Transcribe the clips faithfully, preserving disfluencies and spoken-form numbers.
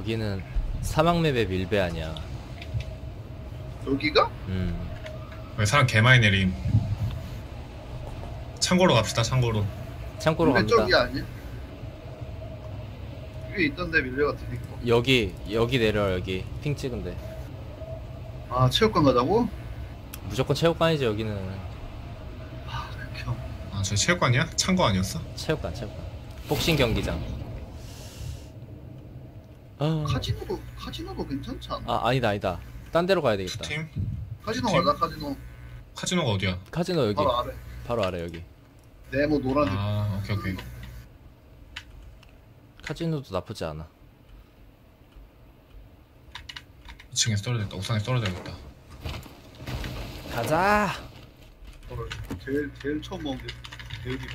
여기는 사막맵의 밀배 아니야. 여기가? 음. 왜 사람 개 많이 내림. 창고로 갑시다. 창고로. 창고로 밀배 갑니다. 쪽이 아니야? 위에 있던데 밀배 같은 거. 여기 여기 내려. 여기 핑 찍은데. 아 체육관 가자고? 무조건 체육관이지 여기는. 아 극혐. 아, 저기 체육관이야? 창고 아니었어? 체육관 체육관. 복싱 경기장. 아, 카지노도 카지노도 괜찮지 않아? 아 아니다 아니다. 딴 데로 가야 되겠다. 팀? 카지노 팀? 가자 카지노. 카지노가 어디야? 카지노 여기. 바로 아래. 바로 아래 여기. 네모 노란색. 아, 오케이 오케이. 카지노도 나쁘지 않아. 이 층에서 떨어져야겠다. 옥상에서 떨어져야겠다. 가자. 헐, 제일 제일 처음 먹은 게 대육이네.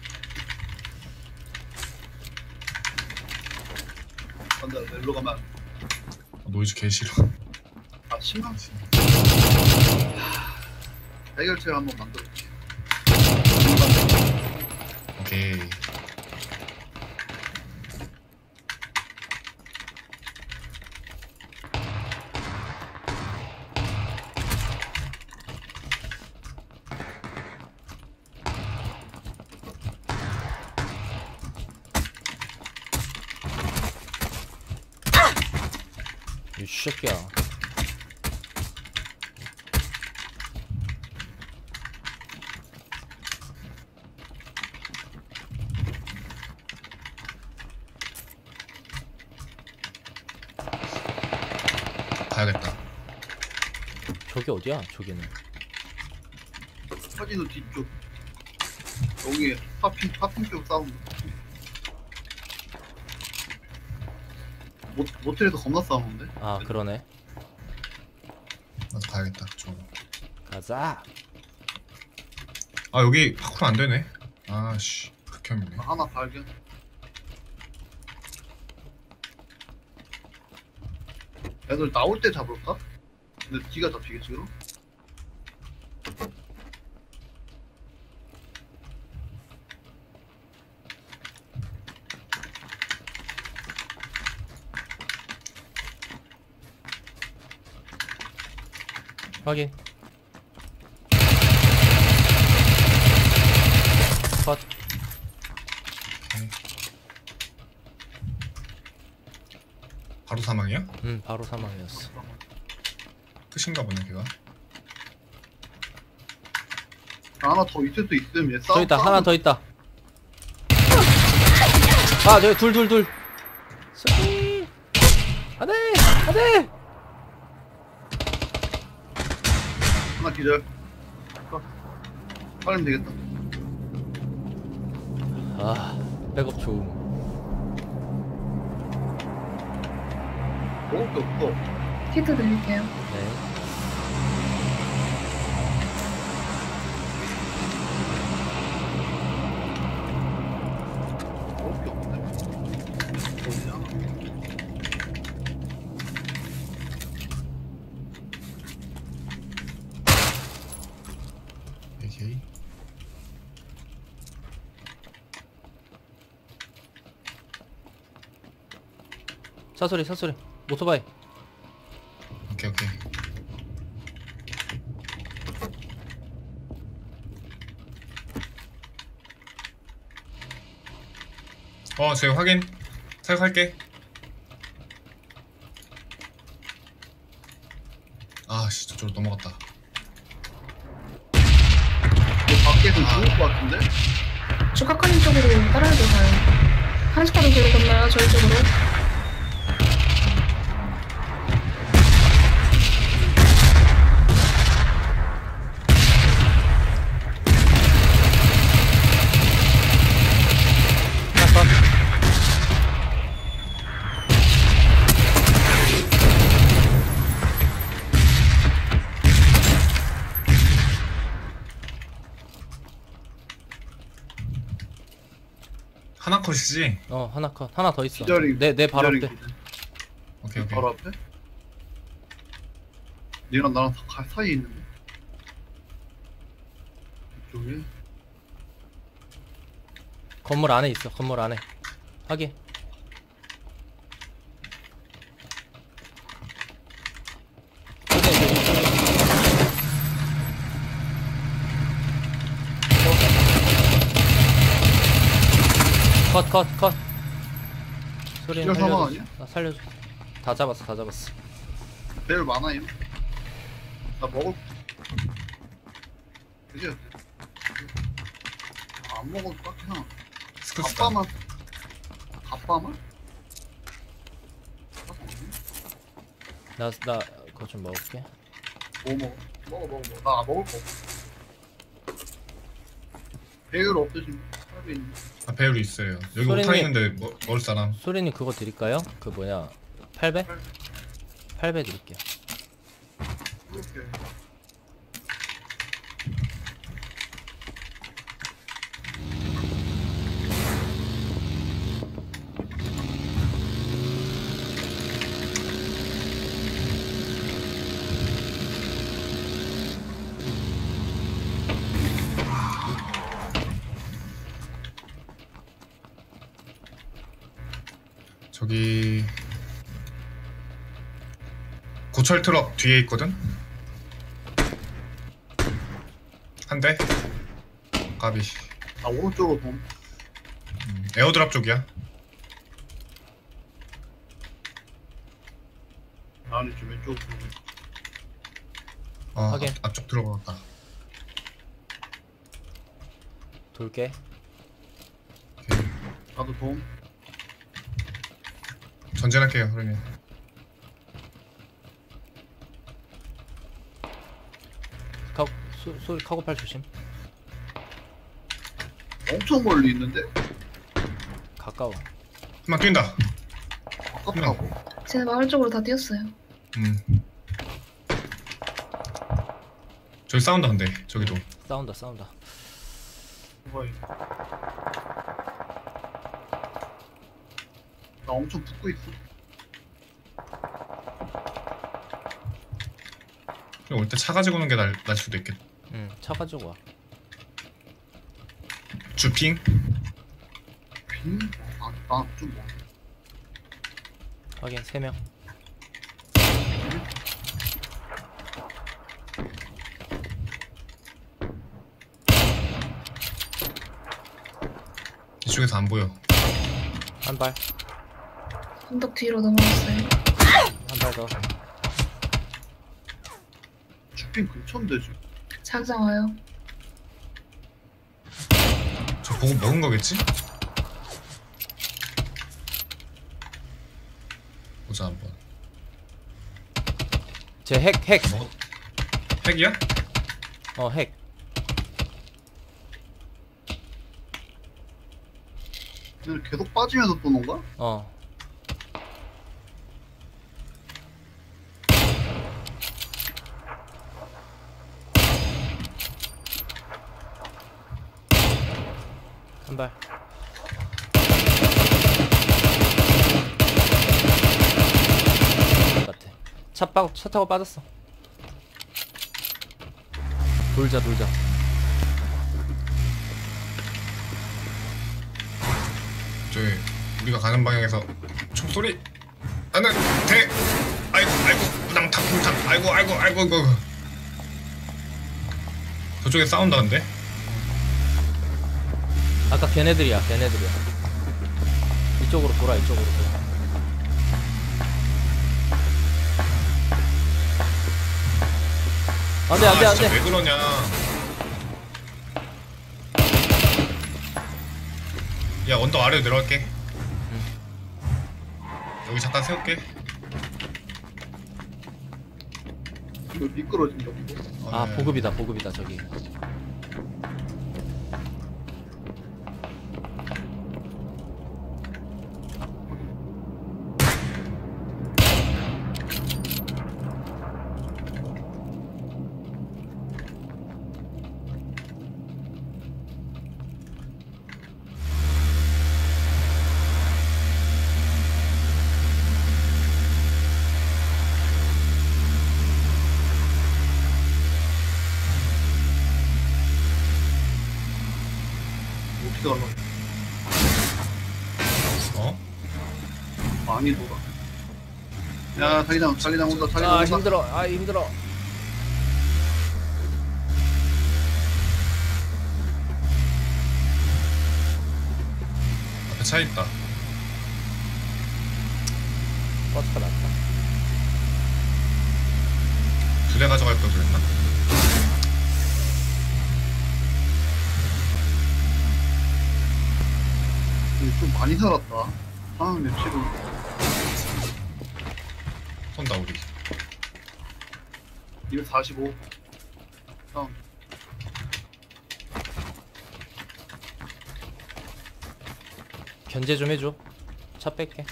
간다 멜로 가면 안 돼. 어, 노이즈 개 싫어. 아 심한 해결책 한번 만들어볼게. 오케이. 이 새끼야. 가야겠다. 저기 어디야? 저기는. 카지노 뒤쪽. 여기 파핑 파핑 쪽 싸움. 모 모텔에서 겁나 싸우는데? 아 그러네. 나도 가야겠다. 그쪽으로. 가자. 아, 여기 파쿠르 안 되네. 아씨, 극혐이네. 아, 하나 발견. 애들 나올 때 잡을까? 근데 뒤가 잡히겠지 그럼? 확인. 컷. 오케이. 바로 사망이야? 음 바로 사망이었어. 끝인가 보네 걔가. 하나 더 있을 수 있음. 얘 싸움. 더 있다. 싸움. 하나 더 있다. 아 저기 둘 둘 둘. 쏘리. 안돼 안돼. 하나 기절. 어. 빨리면 되겠다. 아 백업 좋음. 먹을 게 없어. 키트 드릴게요. 네. 먹을 게 없네. 어디냐? 오케이. 사소리 사소리. 오토바이. 오케이 오케이. 어, 제가 확인. 사격할게. 아씨, 저쪽으로 넘어갔다. 너 밖에서 죽을 것 같은데? 주카카님 쪽으로 따라해도 가요. 한식가도 뒤로 건너요, 저희 쪽으로. 컷. 하나 컷이지? 어 하나 컷. 하나 더 있어. 기절이. 내 내 바로 기절이 앞에. 기절. 오케이 오케이. 바로 앞에? 얘랑 나랑 다 사이에 있는데. 이쪽에. 건물 안에 있어. 건물 안에. 확인. 컷 컷 컷. 소리는 기절 사망 살려줘. 아니야? 아, 살려줘. 다 잡았어 다 잡았어. 배율 많아요. 나 먹을. 그지? 아, 안 먹어도 깎이나. 스크스다. 갑바만. 갑바만? 나 나 그거 좀 먹을게. 뭐 먹어? 먹어 먹어 먹어. 나 먹을 거 없어. 배율 없으신 사람이 있는. 아, 배율이 있어요. 여기 소리님. 오탄 있는데 뭐, 먹을 사람. 소리님 그거 드릴까요? 그 뭐냐 팔 배? 팔 배 드릴게요. 그렇게. 저기 고철 트럭 뒤에 있거든. 한 대. 까비. 나 오른쪽으로 봄. 음, 에어드랍 쪽이야. 나는 좀 왼쪽으로 봄. 아, 확인. 앞, 앞쪽 들어갔다. 돌게. 나도 봄. 전진할게요, 그러면. 카 소, 소리 카고팔 조심. 엄청 멀리 있는데? 가까워. 한번 뛴다. 아깝다고. 쟤네 마을 쪽으로 다 뛰었어요. 음. 저기 사운드 한대. 저기도. 싸운다 싸운다. 뭐야 이거. 나 엄청 붙고 있어. 올 때 차 가지고 오는 게 날, 날 수도 있겠다. 응, 차 가지고 와. 주핑. 빈? 아, 나좀 뭐. 확인 세 명. 이쪽에서 안 보여. 한 발. 언덕 뒤로 넘어갔어요. 한 발 더. 주핑 근처인데 지금. 자기장 와요. 저 보고 먹은 거겠지? 보자 한번. 제 핵 핵. 먹었. 핵이야? 어 핵. 얘들 계속 빠지면서 또 논가? 어. 한 발. 같아. 차 빠, 차 타고 빠졌어. 돌자 돌자. 저기 우리가 가는 방향에서 총소리 나는 대 아이고 아이고 우당탕 쿵탕 아이고 아이고 아이고 아이고 저쪽에 사운드 한데? 아까 걔네들이야 걔네들이야. 이쪽으로 돌아 이쪽으로 돌아. 안돼 안돼 아, 진짜 안돼. 왜 그러냐. 야 언덕 아래로 내려갈게. 여기 잠깐 세울게. 이거 미끄러진 정도? 아 네. 보급이다 보급이다 저기. 어떻게 가려? 어? 많이 돌아. 야, 자기장, 자기장 온다, 자기장 아 온다. 힘들어 아 힘들어. 앞에 차 있다. 버스가 낫다. 두 대 가져갈 걸 그랬나? 근데 좀 많이 살았다. 상황 맵치고. 쏜다 우리. 이백사십오. 다음. 견제 좀 해줘. 차 뺄게.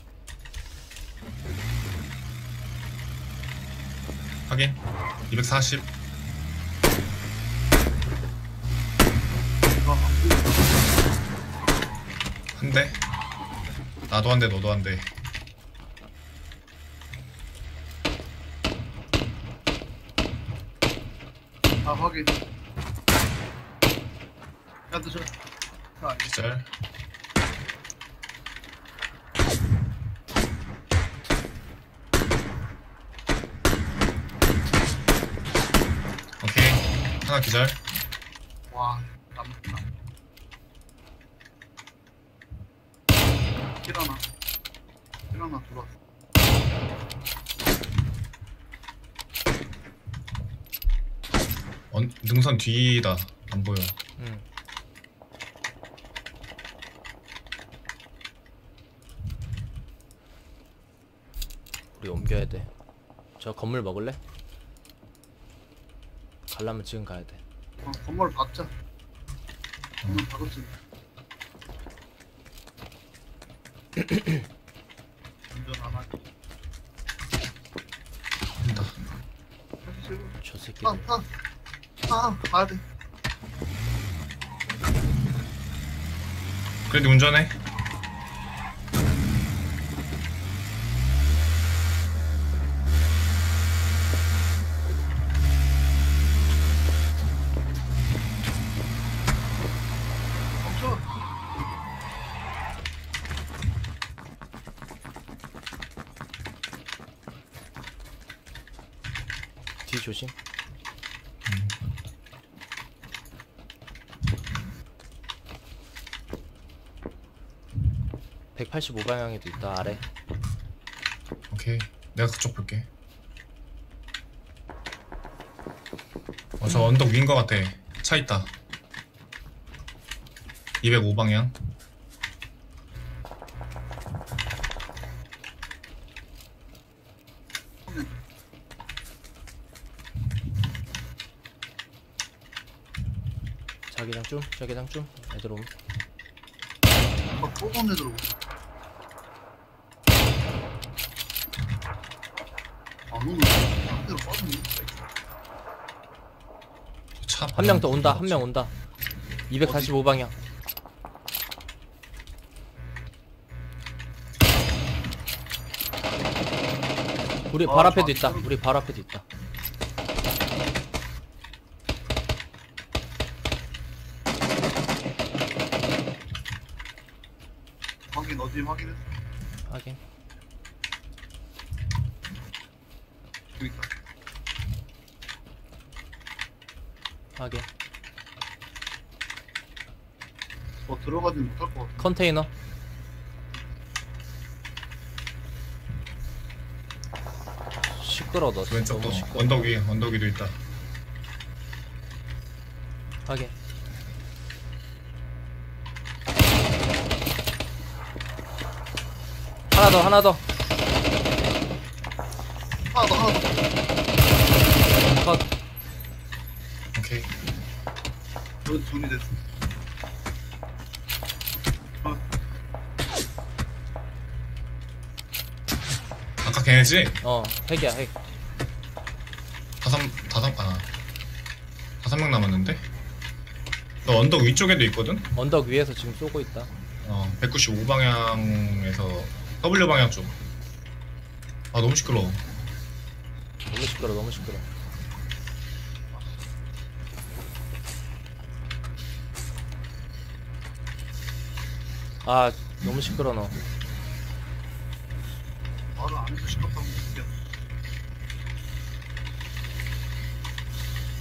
확인. 이백사십. 아, 한 대. 나도 한 대, 너도 한 대. 아, 확인. 야, 너 저. 아, 아니. 기절. 오케이. 하나 기절. 와, 남았다. 킬 하나. 킬 하나 들어왔어. 언, 능선 뒤다. 안 보여. 응. 우리 옮겨야 돼. 저 건물 먹을래? 가려면 지금 가야 돼. 어, 건물 박자. 건물 박았지. 운전 안 하지. 한다. 저 새끼. 타, 타. 타, 가야 돼. 그래도 운전해. 멈춰. 뒤 조심. 백팔십오 방향에도 있다. 아래. 오케이. 내가 그쪽 볼게. 어, 저 언덕 위인 것 같아. 차 있다. 이백오 방향. 자기장 좀. 자기장 좀. 애들 오면. 아, 뽀뽀한 애 들어오고. 안 오네. 상대로 빠졌네. 차. 한 명 더 온다. 한 명 온다. 이백사십오 방향. 우리 발 아, 앞에도 아, 있다. 아. 우리 발 앞에도 있다. 확인, 어디 확인했어? 하긴. 여기 있다. 하긴. 어, 들어가진 못할 것 같아. 컨테이너. 시끄러. 너 왼쪽도 너무 시끄러. 언덕 위 언덕 위도 있다. 하긴. 하나 더. 하나 더. 하나 더, 하나 더. 컷. 오케이. 여기 둘이 됐어. 어, 아까 걔네지? 어. 핵이야. 핵. 다섯 다섯 아 다섯 명 남았는데? 너 언덕 위쪽에도 있거든? 언덕 위에서 지금 쏘고 있다. 어 백구십오 방향에서 W 방향 쪽. 아 너무 시끄러워. 너무 시끄러. 너무 시끄러. 아 너무 시끄러. 너 바로 안에서 시끄럽다고 느껴.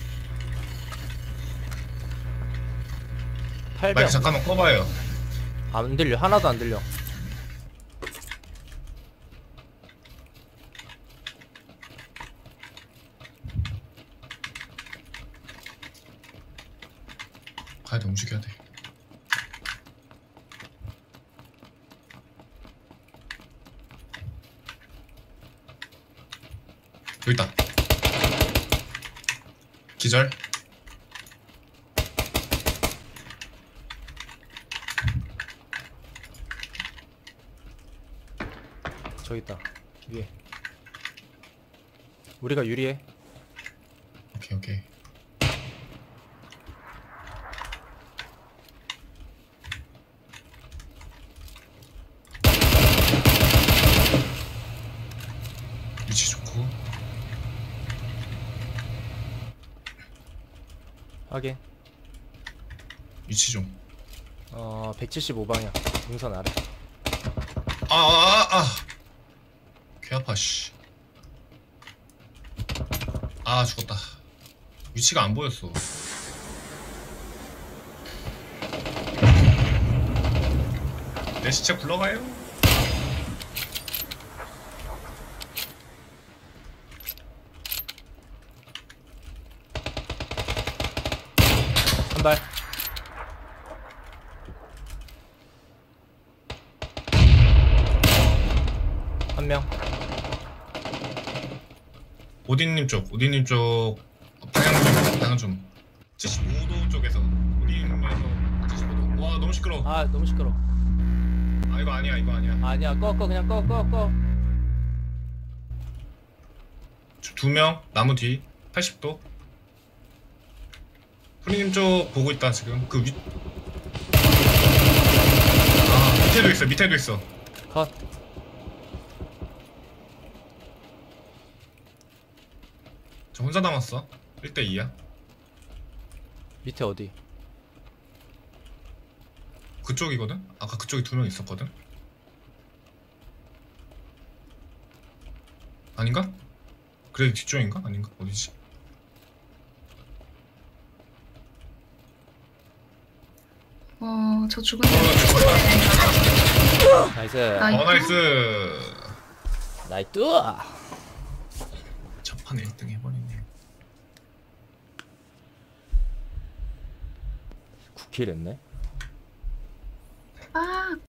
팔백. 마이크 잠깐만 꺼봐요. 안 들려. 하나도 안 들려. 가야 돼. 움직여야 돼. 여기 있다. 기절. 저기 있다. 위에. 우리가 유리해. 오케이 오케이. 위치 좋고. 확인. 위치 좀. 어, 백칠십오 방향. 능선 아래. 아아아 아, 아. 개 아파 씨. 아 죽었다. 위치가 안 보였어. 내 시체 굴러가요. 한 발. 한 명. 오딘님 쪽, 오딘님 쪽 방향 좀, 방향 좀. 칠십오 도 쪽에서 오딘에서 칠십오 도. 와 너무 시끄러워. 아, 너무 시끄러. 아 이거 아니야, 이거 아니야. 아니야. 꺼, 꺼. 그냥 꺼, 꺼, 꺼. 두 명 나무 뒤 팔십 도. 프리님 쪽 보고 있다 지금. 그 위. 아 밑에도 있어, 밑에도 있어. 컷. 저 혼자 남았어. 일 대 이야. 밑에 어디? 그쪽이거든? 아까 그쪽에 두 명 있었거든? 아닌가? 그래 뒤쪽인가? 아닌가? 어디지? 어, 저 죽은 어 죽었다. 나이스. 나이스. 어 나이스. 나이스. 첫판에 일 등 해버리네. 구 킬 했네. 아,